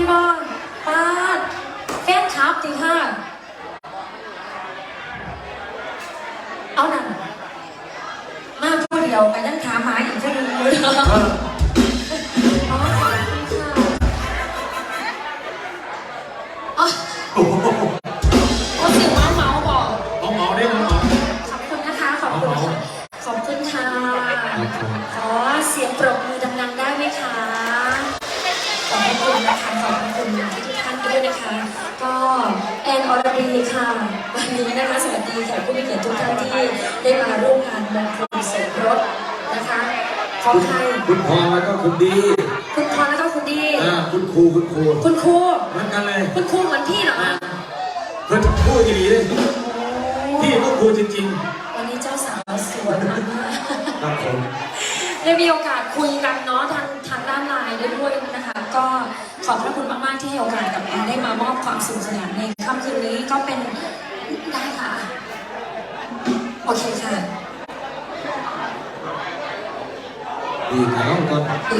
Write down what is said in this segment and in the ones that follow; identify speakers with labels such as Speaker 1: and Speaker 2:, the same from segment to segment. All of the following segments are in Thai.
Speaker 1: บอลป้าแฟนคลับจริงค่ะเอาหนังมาพูดเดียวไปนั่งถามหาอีกคนหนึ่งเลยอ๋อขอบคุณค่ะอ๋อโอ้เสียงเมาบอก
Speaker 2: เมาได้เมา
Speaker 1: ขอบคุณนะคะขอบคุณขอบคุณค่ะขอเสียงปรบมือดังๆได้ไหมคะขอบคุณนะคะขอบคุณทุกท่านด้วยนะคะก็แอนอรดีค่ะวันนี้นะคะสวัสดีแขกผู้มีเกียรติทุกท่านที่ได้มาร่วมงานมงคลสมรสนะคะของใคร
Speaker 2: คุณพรแล้วก็คุณดี
Speaker 1: คุณพรแล้วก็คุณดี
Speaker 2: คุณครู
Speaker 1: คุณครู
Speaker 2: เหมือนกันเลย
Speaker 1: คุณครูเหมือนพี่เหรอคะ
Speaker 2: คุณครูจริงๆเลยพี่ก็ครูจริง
Speaker 1: ๆวันนี้เจ้าสาวสวยมาก
Speaker 2: ครับผม
Speaker 1: ได้มีโอกาสคุยกันเนาะทางด้านไลน์ด้วยนะคะก็ขอบพระคุณมากๆที่ให้โอกาสกับแอนได้มามอบความสนุกสนานในค่ำคืนนี้ก็เป็นได้ค่ะโอเคค่ะ
Speaker 2: ดีถ่ายรูปก่อน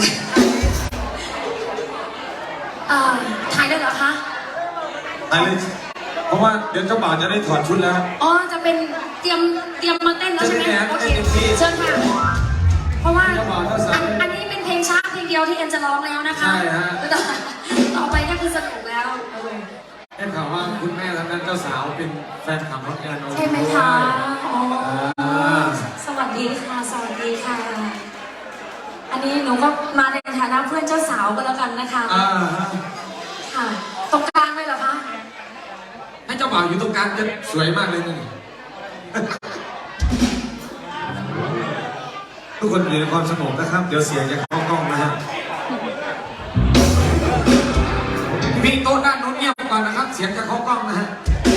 Speaker 1: ถ่ายได้เหรอคะ
Speaker 2: ถ่ายเลยเพราะว่าเดี๋ยวเจ้าบ่าวจะได้ถอดชุดแล้ว
Speaker 1: อ๋อจะเป็นเตรียมมาเต้นแล้วใช่ไหมโอเคเชิญค่ะเพราะว่าอันนี้เป็นเพลงช้าเพลงเดียวที่แอนจะร้องแล้วนะคะ
Speaker 2: ใช่ฮะ
Speaker 1: ต่อไปก็คือสนุกแล้ว
Speaker 2: ได้ข่าวว่าคุณแม่ทางนั้นเจ้าสาวเป็นแฟนคลับน้องแอน
Speaker 1: ใช่ไหมคะอ๋อสวัสดีค่ะสวัสดีค่ะอันนี้หนูก็มาในฐานะเพื่อนเจ้าสาวก็แล้วกันนะคะค่ะตรงกลางเลยเหรอคะ
Speaker 2: ให้เจ้าบ่าวอยู่ตรงกลางจะสวยมากเลยนี่ทุกคนอยู่ในความสงบนะครับเดี๋ยวเสียงจะเข้ากล้องนะฮะพี่โต๊ะด้านโน้นเงียบก่อนนะครับเสียงจะเข้ากล้องนะฮะ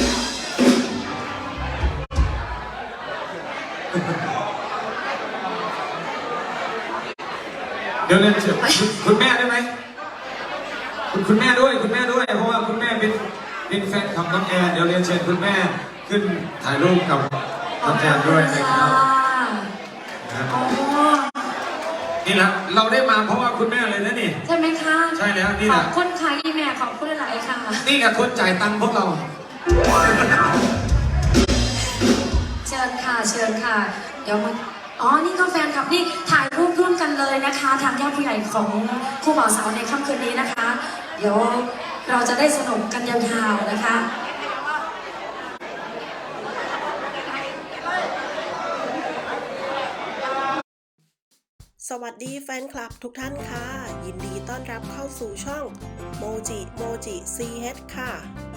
Speaker 2: เดี๋ยวเรียนเชิญคุณแม่ได้ไหมคุณแม่ด้วยคุณแม่ด้วยเพราะว่าคุณแม่เป็นแฟนคลับน้องแอนเดี๋ยวเรียนเชิญคุณแม่ขึ้นถ่ายรูปกับน้องแอนด้วยนะครับนี่แหละเราได้มาเพราะว่าคุณแม่เลยนะนี่
Speaker 1: ใช่ไหมคะ
Speaker 2: ใช่แล้วนี่แหละ
Speaker 1: ขอบคุณค่ะอีแม่ขอบคุณหลายค่ะ
Speaker 2: นี่กับคนจ่ายตังค์พวกเรา
Speaker 1: เชิญค่ะเชิญค่ะเดี๋ยวมาอ๋อนี่ก็แฟนคลับนี่ถ่ายรูปร่วมกันเลยนะคะทางญาติผู้ใหญ่ของคู่บ่าวสาวในค่ำคืนนี้นะคะเดี๋ยวเราจะได้สนุกกันยาวๆนะคะ
Speaker 3: สวัสดีแฟนคลับทุกท่านค่ะยินดีต้อนรับเข้าสู่ช่องโมจิCH ค่ะ